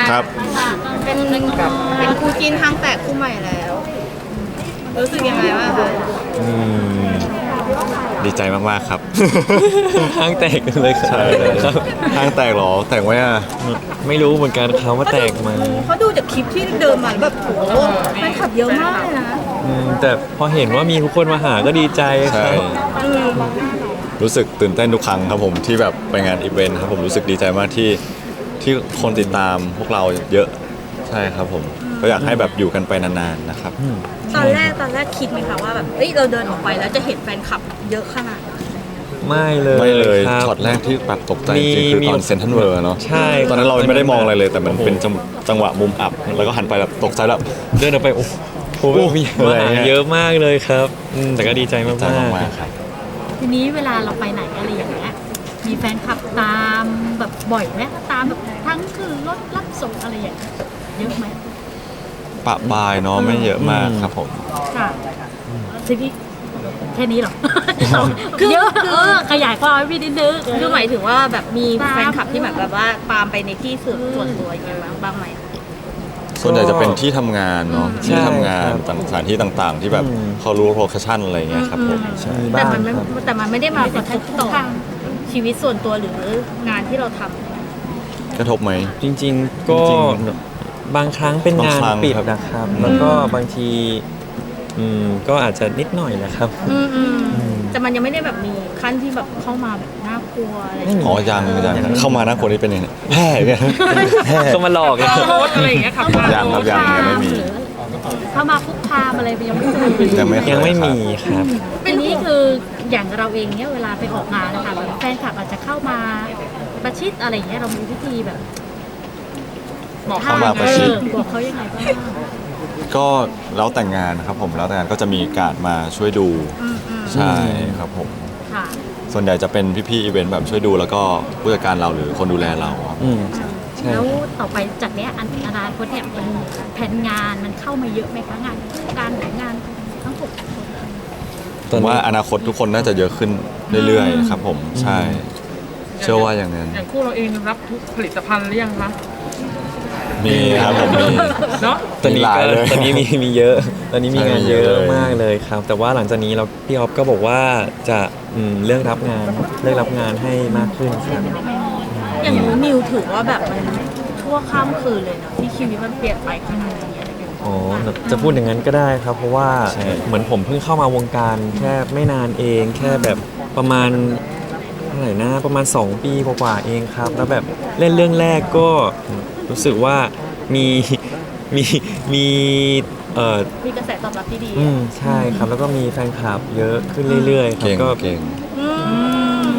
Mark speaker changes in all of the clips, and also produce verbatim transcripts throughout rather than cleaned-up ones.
Speaker 1: ครับ
Speaker 2: เป็นเป็นคู่จิ้นทางแตกคู่ใหม่แล้ว รู้สึกยังไงบ้างคะ
Speaker 1: อืมดีใจมากๆครับ
Speaker 3: ห้างแตกเลยครับ
Speaker 1: ใช่ครับห้างแตกเหรอแตกไว้อะ
Speaker 3: ไม่รู้เหมือนกันเขาว่าแตกไหมา
Speaker 2: เขาดูจากคลิปที่เดินมาแบบโหแฟนคลับเยอะมากเลยนะ
Speaker 3: แต่พอเห็นว่ามีทุกคนมาหาก็ดีใจค
Speaker 1: ใช่
Speaker 3: รับ
Speaker 2: อืม
Speaker 1: รู้สึกตื่นเต้นทุกครั้งครับผมที่แบบไปงานอีเวนต์ครับผมรู้สึกดีใจมากที่ที่คนติดตามพวกเราเยอะใช่ครับผมก็อยากให้แบบอยู่กันไปนานๆนะครับ
Speaker 2: ตอนแรกตอนแรกคิดไหมคะว่าแบบเอ้ยเราเดินออกไปแล้วจะเห็นแฟนคลับเยอะขนาดนั้น
Speaker 3: ไม่เลย
Speaker 1: ไม่เลย
Speaker 3: ครับ
Speaker 1: ช็อตแรกที่แบบตกใจจริงๆ
Speaker 3: มี
Speaker 1: คือ
Speaker 3: มี
Speaker 1: ตอนเซนทันเวอร์เนาะ
Speaker 3: ใช่
Speaker 1: ตอนนั้นเราไม่ได้มองอะไรเลย แต่มัน
Speaker 3: โอ้โห
Speaker 1: เป็นจังจังหวะมุมอับแล้วก็หันไปแบบตกใจแบบ
Speaker 3: เดินออกไปโอ้โห
Speaker 1: โอ้โห
Speaker 3: มี
Speaker 1: อะไร
Speaker 3: มาหา
Speaker 1: เงี้ย
Speaker 3: เยอะมากเลยครับอืมแต่ก็ดีใจมาก
Speaker 1: ใจ
Speaker 3: ๆ
Speaker 1: มากๆครับ
Speaker 4: ทีนี้เวลาเราไปไหนอะไรอย่างเงี้ย มีแฟนคลับตามแบบบ่อยไหมตามแบบทั้งคือรถรับส่งอะไรอย่างเงี้ยเยอะไหม
Speaker 1: ปะปายเนาะไม่เยอะมากครับผม
Speaker 4: ค่ะทีนี้แค่นี้เหรอ คือเยอะเออขยายความให้พี่นิดนึง
Speaker 2: คือหมายถึงว่าแบบมี
Speaker 4: ตาม
Speaker 2: แฟนคลับที่แบบแบบว่าตามไปในที่ส่วนส่วนตัวอย่างเงี้ยบ้างบ้างไหม
Speaker 1: ส่วนใหญ่จะเป็นที่ทำงานเนาะ
Speaker 3: ใช่
Speaker 1: ที่ทำงาน
Speaker 3: ครับ
Speaker 1: ต่างสถานที่ต่างๆ ที่แบบ
Speaker 3: อืม
Speaker 1: เขารู้โลเคชั่นอะไรเงี้ยครับผมใช่
Speaker 3: มี
Speaker 2: แต่
Speaker 3: บ้าง
Speaker 2: มันไม่
Speaker 3: ครับ
Speaker 2: แต่มันไม่ได้มากระทบต่อชีวิตส่วนตัวหรืองานที่เราทำ
Speaker 1: กระทบไหม
Speaker 3: จริงๆก็
Speaker 1: จริง
Speaker 3: บางครั้งเป็นงาน
Speaker 1: บางครั้ง
Speaker 3: ปิด
Speaker 1: ครับ
Speaker 3: นะครับ แล้วก็บางทีอืมก็อาจจะนิดหน่อยนะครับ
Speaker 2: อืมอืม
Speaker 3: อืม
Speaker 2: แต่มันยังไม่ได้แบบมีขั้นที่แบบเข้ามาแบบน่ากลัวอะไร
Speaker 3: ไม่มี
Speaker 1: อ๋อยังยังเข้ามาหน้าคนนี้เป็นยังไงแห่เนี่ยแห่
Speaker 3: ก็มาหลอกเรา
Speaker 2: รถอะไรอย่างเงี้ยขับ
Speaker 1: ยังครับยังยังไม่มี
Speaker 4: เข้ามาคุกคามอะไรยังไม่เคย
Speaker 1: ยังไม่เค
Speaker 3: ยังไม่
Speaker 1: ครับ
Speaker 3: มีครับ
Speaker 4: ทีนี้คืออย่างเราเองเนี่ยเวลาไปออกงานนะคะแบบแฟนคลับอาจจะเข้ามาประชิดอะไรอย่างเงี้ยเรามีวิธีแบบ
Speaker 2: บอก
Speaker 1: เข้ามาประชิด
Speaker 4: เออบอกเขายังไงบ้าง
Speaker 1: ก็แล้วแต่งงานนะครับผมแล้วแต่งงานก็จะมีการดมาช่วยดู
Speaker 2: อืมอืม
Speaker 1: ใช่ครับผม
Speaker 4: ค่ะ
Speaker 1: ส่วนใหญ่จะเป็นพี่ๆอีเวนต์แบบช่วยดูแล้วก็ผู้จัดการเราหรือคนดูแลเราครับ
Speaker 3: อืมใช่
Speaker 4: แล้วต่อไปจากเนี้ยอันอนาคตเนี่ยมันแผนงานมันเข้ามาเยอะไหมคะงานการหรืองานทั้งหมด
Speaker 1: ผมว่าอนาคตทุกคนน่าจะเยอะขึ้นเรื่อยๆครับผมใช่ เชื่อว่าอย่างนั้น
Speaker 5: อย่างคู่เราเองรับทุกผลิตภัณฑ์หรือยังคะ
Speaker 1: มีครับผมมี
Speaker 5: เนาะ
Speaker 3: ตอนนี้
Speaker 1: มีหลาย
Speaker 3: ก็
Speaker 1: เลย
Speaker 3: ตอนนี้มีมีเยอะ ตอนนี้มี
Speaker 1: ใช่
Speaker 3: งาน
Speaker 1: มี
Speaker 3: เย
Speaker 1: เย
Speaker 3: อะ
Speaker 1: อะเลย
Speaker 3: มากเลยครับ แต่ว่าหลังจากนี้เราพี่ออฟก็บอกว่าจะอืมเรื่องรับงานเรื่องรับงานให้มากขึ้นครับ
Speaker 2: อย่างนู้นนิวถือว่าแบบมันชั่วข้ามคืนเลยเนาะที่ชีวิตมันเปลี่ยนไปขนาดนี้อะไรอย่างเงี้ย
Speaker 3: อ๋อจะพูดอย่างนั้นก็ได้ครับ เพราะว่า
Speaker 1: ใช่
Speaker 3: เหมือนผมเพิ่งเข้ามาวงการแค่ไม่นานเอง แค่แบบประมาณเท่าไหร่นะประมาณสองปีกว่าๆเองครับ แล้วแบบเล่นเรื่องแรกก็รู้สึกว่ามี มีมีเอ่อ
Speaker 2: มีกระแสตอบรับที่ดี
Speaker 3: อืมใช่ครับ แล้วก็มีแฟนคลับเยอะขึ้นเรื่อยๆครับ
Speaker 1: เก่ง
Speaker 3: ก็
Speaker 1: เก่ง
Speaker 2: อืม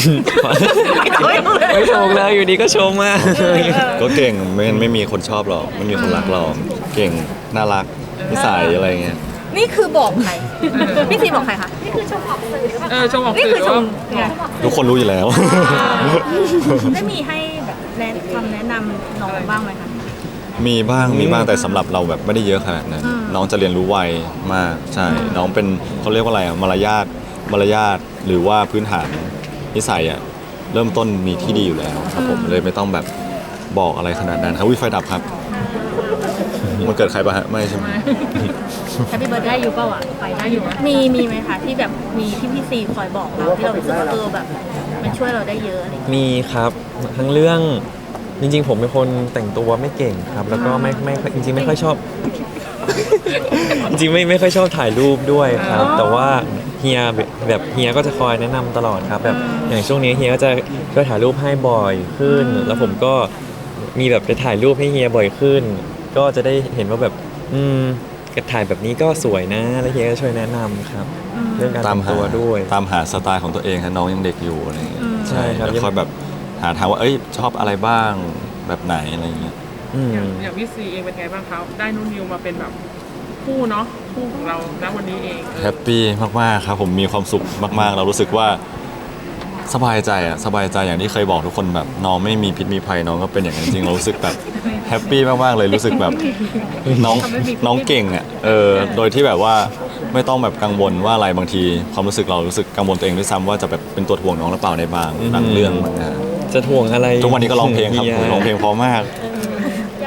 Speaker 3: ไม่ชมเลยอยู่ดีก็ชมมาก
Speaker 1: ก็เก่งไม่งั้นไม่มีคนชอบหรอกไม่มีคนรักเราเก่งน่ารักนิสัยอะไรเงี้ย
Speaker 2: นี่คือบอกใครพี่ซีบอกใครคะ
Speaker 5: เออชมออก
Speaker 2: นี่
Speaker 5: สื่
Speaker 2: คือ
Speaker 5: อ
Speaker 2: ช
Speaker 5: ว่าม
Speaker 2: ไง
Speaker 1: ทุกคนรู้อยู่แล้ว
Speaker 2: ได้มีให้แบบแนะคำแนะนำน้องบ้างไหมคะ
Speaker 1: มีบ้างมีบ้างแต่สำหรับเราแบบไม่ได้เยอะขนาดนั้น
Speaker 2: อืม
Speaker 1: น้องจะเรียนรู้ไวมากใช่ น้องเป็นเขาเรียกว่าอะไรอะมารยาทมารยาทหรือว่าพื้นฐานนิสัยอะเริ่มต้นมีที่ดีอยู่แล้วครับผมเลยไม่ต้องแบบบอกอะไรขนาดนั้นครับวิไฟดับครับมันเกิดใครปะฮะไม่ใช่ไหม
Speaker 4: แฮปปี้เบิร์ดได้อยู่เปล่าอ่ะไปได้อยู่
Speaker 2: มีมีไหมคะที่แบบมีที่พี่ซีคอยบอกเราที่เรารู้สึกว่าเออแบบ มันช่วยเราได้เยอะอะไรอย่างเงี้ย
Speaker 3: มีครับทั้งเรื่องจริงๆ ผมเป็นคนแต่งตัวไม่เก่งครับ แล้วก็ไม่ไม่จริงๆไม่ค่อยชอบ จริงๆไม่ไม่ค่อยชอบถ่ายรูปด้วยครับ แต่ว่าเฮียแบบแบบเฮียก็จะคอยแนะนำตลอดครับแบบอย่างช่วงนี้เฮียก็จะช่วยถ่ายรูปให้บ่อยขึ้น แล้วผมก็มีแบบไปถ่ายรูปให้เฮียบ่อยขึ้น ก็จะได้เห็นว่าแบบอืมถ่ายแบบนี้ก็สวยนะแล้วเฮียก็ช่วยแนะนำครับ เรื่องการ
Speaker 1: ตาม
Speaker 3: แต่ง
Speaker 1: หา
Speaker 3: ตัวด้วย
Speaker 1: ตามหาสไตล์ของตัวเองครับน้องยังเด็กอยู่อะไรเงี้ย
Speaker 3: ใช่ครับ
Speaker 1: แล้วคอยแบบหาทางว่าเอ้ยชอบอะไรบ้างแบบไหนอะไรเงี้ย
Speaker 3: อืม
Speaker 5: อย่างอย่างพี่ซีเองเป็นไงบ้างครับได้นุ่นนิวมาเป็นแบบคู่เนาะคู่ของเราณวันนี้เองเออ
Speaker 1: แฮปปี้มากๆครับผมมีความสุขมากๆ เรารู้สึกว่าสบายใจอะสบายใจอย่างที่เคยบอกทุกคนแบบน้องไม่มีพิษมีภัยน้องก็เป็นอย่างนั้นจริงเรารู้สึกแบบแฮปปี้มากๆเลยรู้สึกแบบน้องน้องเก่งอะเออโดยที่แบบว่าไม่ต้องแบบกังวลว่าอะไรบางทีความรู้สึกเรารู้สึกกังวลตัวเองด้วยซ้ำว่าจะแบบเป็นตัวถ่วงน้องหรือเปล่าในบางบางเรื่องบางงาน
Speaker 3: จะถ่วงอะไร
Speaker 1: ทุกวันนี้ก็ร้องเพลงครับ
Speaker 3: ฮีย
Speaker 1: ร้องเพลงเพราะมาก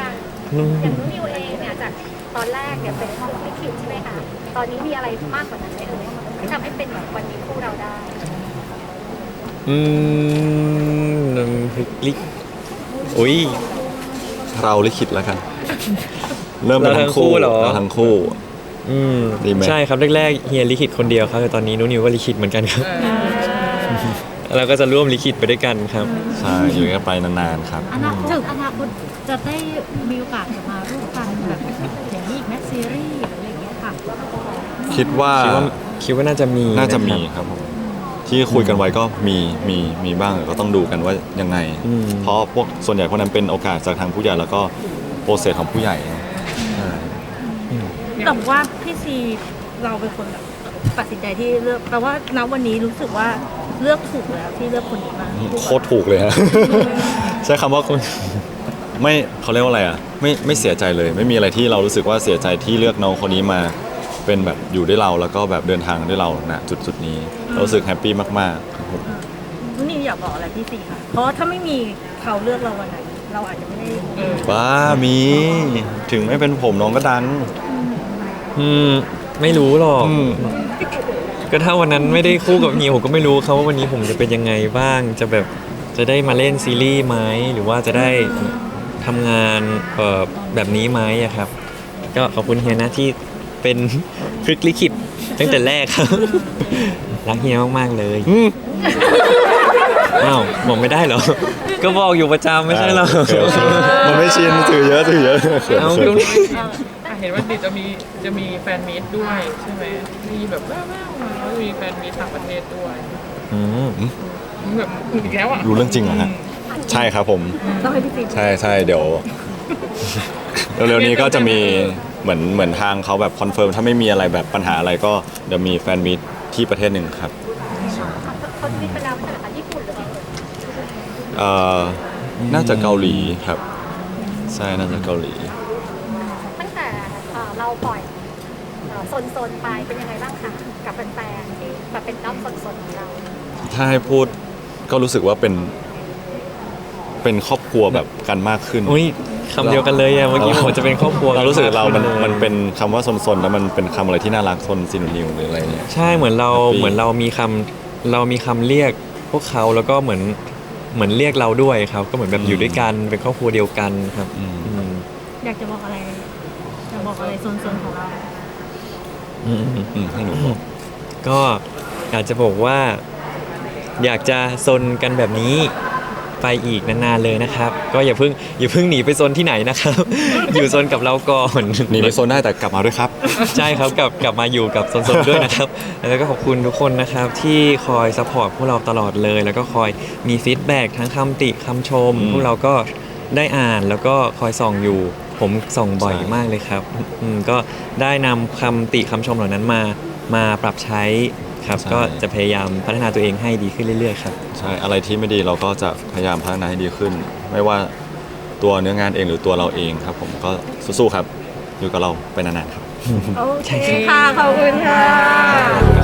Speaker 6: อย่างนุ้นิวเองเนี่ยจากตอนแรกเนี่ยเป็นของลิขิตใช่ไหมคะตอนนี้มีอะไรมากกว่านั้นไหมเอ่ยที่ทำให้เป็นแบบวันนี้คู่เราได้
Speaker 3: อืมน้ำพริกลิกอุ้ย
Speaker 1: เราลิขิตแล้วกัน เริ่มเป็นทั้งคู่
Speaker 3: เราทั้งคู่เหรอ
Speaker 1: เราทั้งคู่
Speaker 3: อืม
Speaker 1: ดีไหม
Speaker 3: ใช่ครับแรกๆเฮียลิขิตคนเดียวครับแต่ตอนนี้นุ้นิวก็ลิขิตเหมือนกันครับ
Speaker 5: เออ
Speaker 3: เราก็จะร่วมลิขิตไปด้วยกันครับ
Speaker 1: ใช่อยู่กันไปนานๆครับ
Speaker 4: อนาคตอนาคตจะได้มีโอกาสจะมาร่วมกันแบบอย่างนี้อีกแมซีรีส์หรืออะไรอย่างเงี้ยค่ะ
Speaker 1: คิดว่า
Speaker 3: คิดว่าคิดว่าน่าจะมี
Speaker 1: น่าจะมี
Speaker 3: นครับ
Speaker 1: ครับผมที่คุยกันไว้ก็มีมีมีบ้างก็ต้องดูกันว่ายังไง
Speaker 3: อืม
Speaker 1: เพราะพวกส่วนใหญ่พวกนั้นเป็นโอกาสจากทางผู้ใหญ่แล้วก็โปรเซสของผู้ใหญ่ใช่
Speaker 2: แต่ว่าพี่ซีเราเป็นคนแบบตัดสินใจที่เลือกแปลว่าณวันนี้รู้สึกว่าเลือกถูกแล้วที่เลือกคนนี้มา
Speaker 1: โคตรถูกเลยฮะ ใช้คำว่าไม่เขาเรียกว่าอะไรอ่ะไม่ไม่เสียใจเลย ไม่มีอะไรที่เรารู้สึกว่าเสียใจที่เลือกน้องคนนี้มาเป็นแบบอยู่ด้วยเราแล้วก็แบบเดินทางด้วยเราณจุดจุดๆนี้เรารู้สึกแฮปปี้มากๆครับผม
Speaker 2: นุ้นิวอยากบอกอะไรพี่ซีคะเพราะว่าถ้าไม่มีเขาเลือกเราวันนั้นเราอาจจะไม่ได้
Speaker 1: ว้ามีถึงไม่เป็นผมน้องก็ดัง
Speaker 3: อืมไม่รู้หรอก
Speaker 1: อืม
Speaker 3: ก็ถ้าวันนั้นไม่ได้คู่กับเฮียผมก็ไม่รู้ครับว่าวันนี้ผมจะเป็นยังไงบ้าง จะแบบจะได้มาเล่นซีรีส์ไหมหรือว่าจะได้ทำงานเอ่อแบบนี้ไหมอะครับ ก็ขอบคุณเฮียนะที่เป็น พลิกลิขิตตั้งแต่แรกครับ รักเฮียมากๆเลย
Speaker 1: อืม
Speaker 3: อ้าวบอกไม่ได้เหรอ ก็บอกอยู่ประจำไม่ใช่เหรอ
Speaker 1: โอเคโอเคมันไม่ชินถือเยอะถือเยอะเขิน
Speaker 3: เอา
Speaker 1: เขิ
Speaker 3: ก็
Speaker 1: น
Speaker 5: อ่ะเห็นว่าดิจะมีจะมีแฟนมีตด้วยใช่ไหมมีแบบแว่วๆมาแล้วมีแฟนมีตต่างประเทศด้วย
Speaker 3: อืม
Speaker 5: แบบอีกแล้วอ่ะ
Speaker 1: รู้เรื่องจริงเหรอฮะใช่ครับผม
Speaker 2: ต้องให้พี่ซี
Speaker 1: ใช่ใช่เดี๋ยว เร็วๆนี้ก็จะมีเหมือนเหมือนทางเขาแบบคอนเฟิร์มถ้าไม่มีอะไรแบบปัญหาอะไรก็เดี๋ยวมีแฟนมีตที่ประเทศหนึ่งครับ
Speaker 6: เขาจะมีเป็นดาวเป็นอะไรญี่ปุ่นหรือเปล่า
Speaker 1: เอ่อน่าจะเกาหลีครับ ใช่น่าจะเกาหลี
Speaker 6: ตั้งแต่เอ่อเราปล่อยเอ่อโซนๆไปเป็นยังไงบ้างคะกับแฟนๆที่แบบเป็นด้อมโซนๆของเรา
Speaker 1: ถ้าให้พูดก็รู้สึกว่าเป็น เป็นครอบครัวแบบกันมากขึ้น
Speaker 3: อุ้ยคำเดียวกันเลยอะเมื่อกี้ผมจะเป็นครอบครัว
Speaker 1: เรารู้สึกเรา มัน
Speaker 3: ลย
Speaker 1: มันเป็นคำว่าซนๆแล้วมันเป็นคำอะไรที่น่ารักซนซินนิวหรืออะไรเนี่ย
Speaker 3: ใช่เหมือนเรา
Speaker 1: Happy
Speaker 3: เหมือนเรามีคำเรามีคำเรียกพวกเขาแล้วก็เหมือนเหมือนเรียกเราด้วยครับ ก็เหมือนแบบอยู่ด้วยกันเป็นครอบครัวเดียวกันครับ
Speaker 1: อืม
Speaker 3: อืม
Speaker 2: อยากจะบอกอะไรอยากบอกอะไรโซนๆของเรา
Speaker 3: อืม
Speaker 1: อืมให้หนูบอก
Speaker 3: ก็อยากจะบอกว่า อยากจะซนกันแบบนี้ไปอีกนานๆเลยนะครับ ก็อย่าเพิ่งอย่าเพิ่งหนีไปซนที่ไหนนะครับ อยู่ซนกับเราก่อน
Speaker 1: หนีไปโซนได้แต่กลับมาด้วยครับ
Speaker 3: ใช่ครับกลับกลับมาอยู่กับสนๆด้วยนะครับ แล้วก็ขอบคุณทุกคนนะครับที่คอยซัพพอร์ตพวกเราตลอดเลย แล้วก็คอยมีฟีดแบ็กทั้งคำติคำชม
Speaker 1: อืม
Speaker 3: พวกเราก็ได้อ่านแล้วก็คอยส่องอยู่ ผมส่องบ่อย
Speaker 1: ใช่
Speaker 3: มากเลยครับอืมก็ได้นำคำติคำชมเหล่านั้นมามาปรับใช้ครับ ก็จะพยายามพัฒนาตัวเองให้ดีขึ้นเรื่อยๆครับ
Speaker 1: ใช่ อะไรที่ไม่ดีเราก็จะพยายามพัฒนาให้ดีขึ้น ไม่ว่าตัวเนื้องานเองหรือตัวเราเองครับ ผมก็สู้ๆครับ อยู่กับเราไปนานๆครับ
Speaker 2: โอเคค่ะ ขอบคุณค่ะ